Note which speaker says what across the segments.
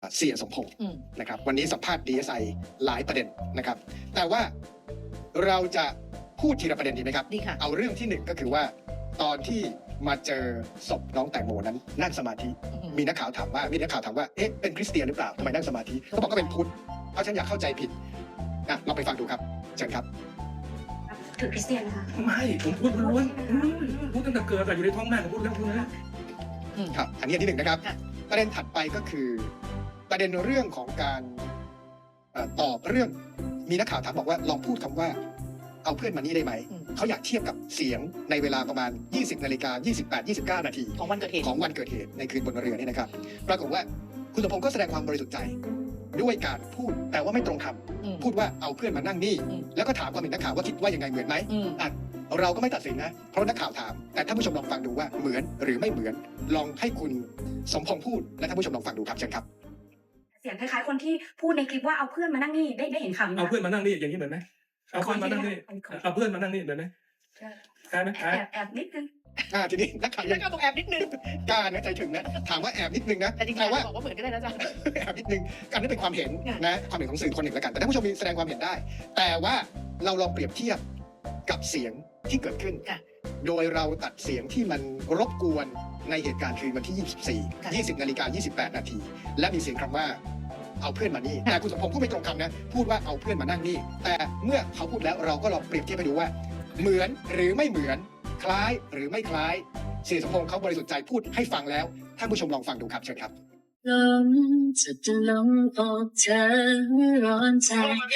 Speaker 1: เสียสมพงษ์นะครับวันนี้สัมภาษณ์ DSI หลายประเด็นนะครับแต่ว่าเราจะพูดทีละประเด็นดีไหมครับ
Speaker 2: ดีค่ะ
Speaker 1: เอาเรื่องที่หนึ่งก็คือว่าตอนที่มาเจอศพน้องแตงโมนั้นนั่งสมาธิมีนักข่าวถามว่าเอ๊ะเป็นคริสเตียนหรือเปล่าทำไมนั่งสมาธิเขาบอกก็เป็นพุทธเพราะฉันอยากเข้าใจผิดเราไปฟังดูครับเชิญครับ
Speaker 3: ถือคริสเตียนนะคะ
Speaker 4: ไม่ผมพูดล้วนพูดตั้งแต่เกิดแต่อยู่ในท้องแม่ผมพูดแล้วคุณนะครับ
Speaker 1: อันนี้อันที่หนึ่งนะครับประเด็นถัดไปก็คือประเด็นเรื่องของการตอบเรื่องมีนักข่าวถามบอกว่าลองพูดคำว่าเอาเพื่อนมานี่ได้ไหมเขาอยากเทียบกับเสียงในเวลาประมาณ 20:28-29 นาที
Speaker 2: ของวันเกิดเห
Speaker 1: ตุในคืนบนเรือนี่นะครับปรากฏว่าคุณสมพงษ์ก็แสดงความบริสุทธิ์ใจด้วยการพูดแต่ว่าไม่ตรงคำพูดว่าเอาเพื่อนมานั่งนี่แล้วก็ถามความเห็นนักข่าวว่าคิดว่ายังไงเหมือนไหมเราก็ไม่ตัดสินนะเพราะนักข่าวถามแต่ท่านผู้ชมลองฟังดูว่าเหมือนหรือไม่เหมือนลองให้คุณสมพงษ์พูดและท่านผู้ชมลองฟังดูครับเชิญครับ
Speaker 3: เสียงคล้ายๆคนที่พูดในคลิปว่าเอาเพื่อนมานั่งนี่ได้เห็นคำ
Speaker 4: เอาเพื่อนมานั่งนี่อย่างนี้เหมือนไหมเอาเพื่อนมานั่งนี่เอาเพื่อนมานั่งนี่เหมือนไหมใช่ไหม
Speaker 3: แอบนิดนึง
Speaker 1: ทีนี้นักข่าว
Speaker 2: ยังต้องแอบนิดนึง
Speaker 1: การนะใจถึงนะถามว่าแอบนิดนึงนะ
Speaker 2: แต่จริงๆบอกว่าเหมือนกันเลยนะจ๊ะ
Speaker 1: แอบนิดนึงการนี้เป็นความเห็นนะความเห็นของสื่อคนหนึ่งแล้วกันแต่ท่านผู้ชมมีแสดงความเห็นได้แต่ว่าเราลองเปรียบเทียบกับเสียงที่เกิดขึ้นโดยเราตัดเสียงที่มันรบกวนในเหตุการณ์คืนวันที่ 20:28 นาทีและมีเสียงคำว่าเอาเพื่อนมานี่แต่คุณสมพงษ์พูดไม่ตรงคำนะพูดว่าเอาเพื่อนมานั่งนี่แต่เมื่อเขาพูดแล้วเราก็ลองเปรียบเทียบไปดูว่าเหมือนหรือไม่เหมือนคล้ายหรือไม่คล้ายเสียสมพงษ์เขาบริสุทธิ์ใจพูดให้ฟังแล้วท่านผู้ชมลองฟังดูครับเชิญครับ
Speaker 5: ลมจะลงอกเธอร้อนใจ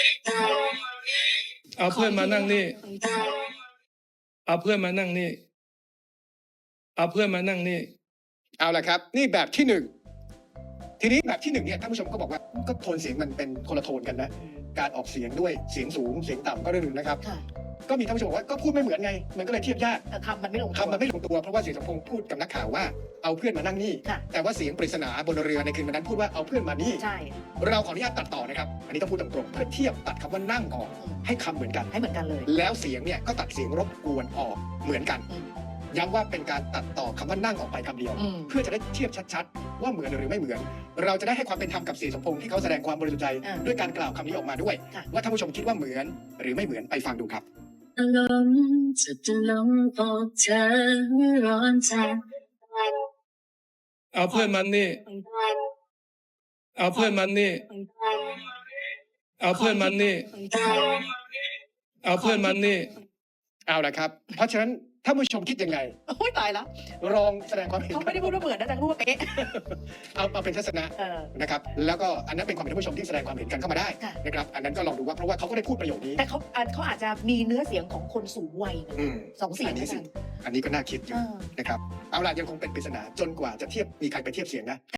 Speaker 4: เอาเพื่อนมานั่งนี่เอาเพื่อนมานั่งนี่เอาเพื่อนมานั่งนี่
Speaker 1: เอาละครับนี่แบบที่หนึ่งทีนี้แบบที่หนึ่งเนี่ยท่านผู้ชมก็บอกว่าก็โทนเสียงมันเป็นคนละโทนกันนะการออกเสียงด้วยเสียงสูงเสียงต่ำก็เรื่องหนึ่งนะครับก็มีท่านผู้ชมบอกว่าก็พูดไม่เหมือนไงมันก็เลยเทียบยาก
Speaker 2: คำมันไม่ลง
Speaker 1: ตัวเพราะว่าเสียสมพงษ์พูดกับนักข่าวว่าเอาเพื่อนมานั่งนี่แต่ว่าเสียงปริศนาบนเรือในคืนวันนั้นพูดว่าเอาเพื่อนมานี่เราขออนุญาตตัดต่อนะครับอันนี้ต้องพูดตรงๆเพื่อเทียบตัดคำว่านั่งออกให้คำเหมือนกัน
Speaker 2: เลย
Speaker 1: แล้วเสียงเนี่ยก็ตัดเสียงรบกวนออกเหมือนกันย้ำว่าเป็นการตัดต่อคำว่านั่งออกไปคำเดียวเพื่อจะได้เทียบชัดๆว่าเหมือนหรือไม่เหมือนเราจะได้ให้ความเป็นธรรมกับเสียสมพงษ์ที่เขาแสดงความบริสุทธิ์ใจด้วยการกล่าวคำนี้ออกมาด้วยว่าท่านผู้ชมคิดว่าเหมือนหรือไม่เหมือนไปฟังดูครับ
Speaker 5: ลมจะลงอกเธอร้อนใจ
Speaker 4: เอาเพื่อนมันนี่เอาเพื่อนมันนี่เอาเพื่อนมันนี่เอาเพื่อนมันนี่
Speaker 1: เอาละครับเพราะฉะนั้นท่านผู้ชมคิดยังไง
Speaker 2: โอ้ยตายแล้ว
Speaker 1: ลองแสดงความเห็น
Speaker 2: เขาไม่ได้พูดว่าเหมือนนะแต่พูดว่าเป๊ะ
Speaker 1: เอาเป็นทัศนะนะครับแล้วก็อันนั้นเป็นความเห็นท่านผู้ชมที่แสดงความเห็นกันเข้ามาได้นะครับอันนั้นก็ลองดูว่าเพราะว่าเขาก็ได้พูดประโยคนี้
Speaker 2: แต่เขาอาจจะมีเนื้อเสียงของคนสูงวัยสองเสียง
Speaker 1: อันนี้ก็น่าคิดอยู่นะครับเอาล่ะยังคงเป็นปริศนาจนกว่าจะมีใครไปเทียบเสียงนะ